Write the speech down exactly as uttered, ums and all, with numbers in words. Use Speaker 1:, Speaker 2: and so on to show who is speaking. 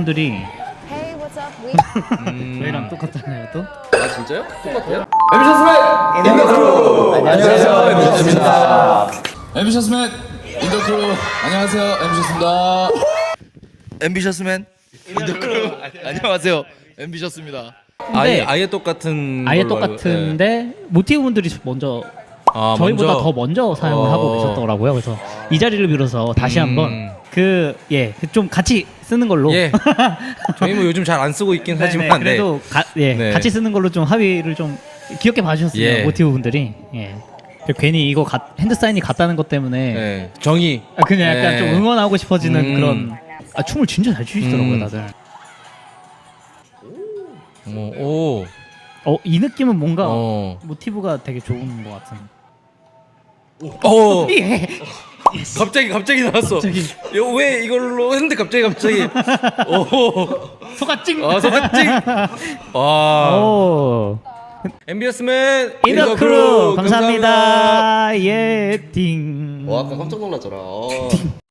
Speaker 1: 분들이
Speaker 2: Hey, what's up? We
Speaker 3: 음.
Speaker 1: 저희랑 똑같잖아요 또.
Speaker 4: 아 진짜요? 똑같아요?
Speaker 3: 엠비셔스맨 인더크루 안녕하세요 엠비셔스입니다.
Speaker 5: 앰비셔스맨 인더크루 안녕하세요 앰비셔스입니다.
Speaker 4: 앰비셔스맨 인더크루 안녕하세요 앰비셔스입니다.
Speaker 3: 아예
Speaker 1: 근데
Speaker 3: 아예 똑같은
Speaker 1: 아예
Speaker 3: 걸로 알고-
Speaker 1: 똑같은데 모티브 분들이 먼저
Speaker 3: 아,
Speaker 1: 저희보다
Speaker 3: 먼저?
Speaker 1: 더 먼저 사용을
Speaker 3: 어.
Speaker 1: 하고 계셨더라고요. 그래서 이 자리를 빌어서 다시
Speaker 3: 음.
Speaker 1: 한번 그 예 좀 같이 쓰는 걸로.
Speaker 3: 예. 저희 뭐 요즘 잘 안 쓰고 있긴
Speaker 1: 네네,
Speaker 3: 하지만 네.
Speaker 1: 그래도 가, 예
Speaker 3: 네.
Speaker 1: 같이 쓰는 걸로 좀 합의를 좀 귀엽게 봐주셨어요.
Speaker 3: 예.
Speaker 1: 모티브 분들이. 예. 괜히 이거 가, 핸드 사인이 같다는 것 때문에
Speaker 3: 네. 정의.
Speaker 1: 아, 그냥 약간
Speaker 3: 네.
Speaker 1: 좀 응원하고 싶어지는
Speaker 3: 음.
Speaker 1: 그런. 아, 춤을 진짜 잘 추시더라고요
Speaker 3: 음.
Speaker 1: 다들.
Speaker 3: 어, 오.
Speaker 1: 어 이 느낌은 뭔가
Speaker 3: 어.
Speaker 1: 모티브가 되게 좋은 것 같은.
Speaker 3: 어.
Speaker 1: 예.
Speaker 3: 갑자기 갑자기 나왔어.
Speaker 1: 갑자기.
Speaker 3: 이거 왜 이걸로 했는데 갑자기 갑자기. 오.
Speaker 1: 소가찡.
Speaker 3: 아, 소가찡. 와.
Speaker 1: 오.
Speaker 3: 엠비셔스맨
Speaker 1: 인더크루 감사합니다. 예, 띵.
Speaker 4: 와 아까 깜짝 놀랐잖아. 어.